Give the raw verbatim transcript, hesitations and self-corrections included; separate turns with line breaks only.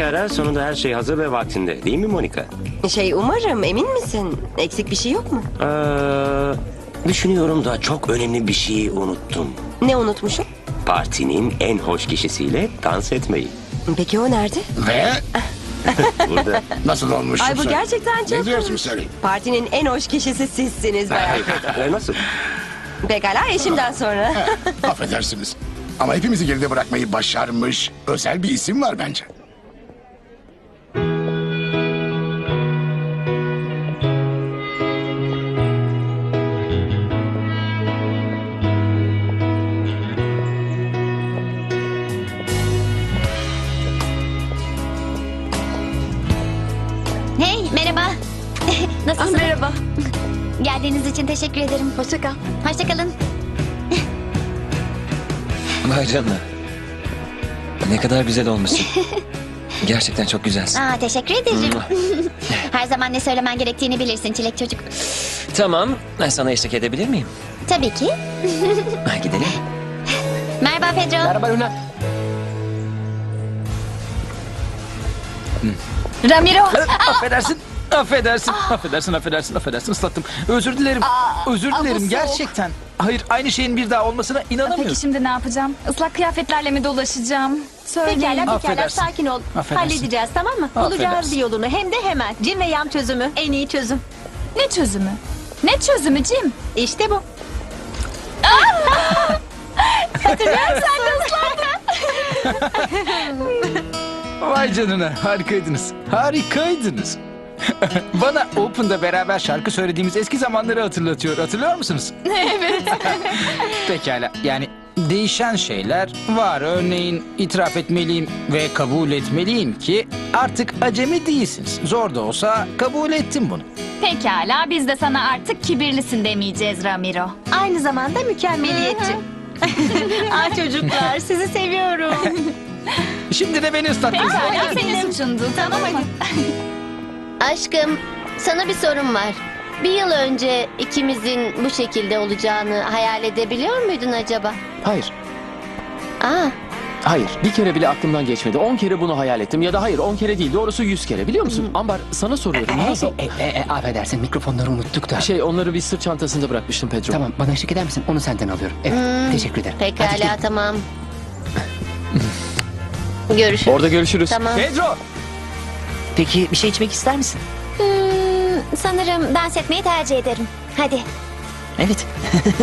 Pekala, sonunda her şey hazır ve vaktinde. Değil mi Monica?
Şey umarım, emin misin? Eksik bir şey yok mu?
Ee, düşünüyorum da çok önemli bir şeyi unuttum.
Ne unutmuşum?
Partinin en hoş kişisiyle dans etmeyi.
Peki o nerede?
Ve
Burada.
nasıl olmuş?
Ay bu
sen?
gerçekten çok...
Ne diyorsun sen?
Partinin en hoş kişisi sizsiniz bayağı.
Ee, Nasıl?
Pekala, eşimden sonra.
Affedersiniz. Ama hepimizi geride bırakmayı başarmış özel bir isim var bence.
Hey, merhaba.
Ah,
Nasılsın?
merhaba.
Geldiğiniz için teşekkür ederim. Hoşça kal. Hoşça kalın.
Vay canına. Ne kadar güzel olmuşsun. Gerçekten çok güzelsin.
Aa, teşekkür ederim. Her zaman ne söylemen gerektiğini bilirsin çilek çocuk.
Tamam, ben sana eşlik edebilir miyim?
Tabii ki.
Ha, gidelim.
Merhaba Pedro.
Merhaba Luna.
Ramiro.
Affedersin. Affedersin. Affedersin, affedersin, affedersin. Islattım. Özür dilerim. Özür
aa, bu
dilerim
soğuk.
gerçekten. Hayır, aynı şeyin bir daha olmasına inanamıyorum.
Peki şimdi ne yapacağım? Islak kıyafetlerle mi dolaşacağım? Söyleyin.
Pekala pekala
Affedersin.
sakin ol.
Affedersin.
Halledeceğiz tamam mı? Bulacağız
Affedersin.
bir yolunu hem de hemen. Cin ve yam çözümü en iyi çözüm.
Ne çözümü? Ne çözümü Cim?
İşte bu.
Vay canına, harikaydınız. Harikaydınız. Bana Open'da beraber şarkı söylediğimiz eski zamanları hatırlatıyor. Hatırlıyor musunuz? Evet. Pekala, yani değişen şeyler var. Örneğin itiraf etmeliyim ve kabul etmeliyim ki artık acemi değilsiniz. Zor da olsa kabul ettim bunu.
Pekala biz de sana artık kibirlisin demeyeceğiz Ramiro.
Aynı zamanda mükemmeliyetçi. Aa çocuklar sizi seviyorum.
Şimdi de beni ıslattınız.
Pekala senin suçundu tamam mı?
Aşkım, sana bir sorum var. Bir yıl önce ikimizin bu şekilde olacağını hayal edebiliyor muydun acaba?
Hayır,
Aa,
hayır. Bir kere bile aklımdan geçmedi. On kere bunu hayal ettim. Ya da hayır, on kere değil. Doğrusu yüz kere. Biliyor musun? Ambar, sana soruyorum. Nasıl?
E, e, e, affedersin mikrofonları unuttuk da.
Şey, onları bir sırt çantasında bırakmıştım Pedro.
Tamam bana eşlik eder misin? Onu senden alıyorum. Evet teşekkür ederim. Hadi
pekala
gidelim.
tamam. Görüşürüz.
Orada görüşürüz.
Tamam.
Pedro!
Peki bir şey içmek ister misin?
Hmm, sanırım dans etmeyi tercih ederim. Hadi.
Evet.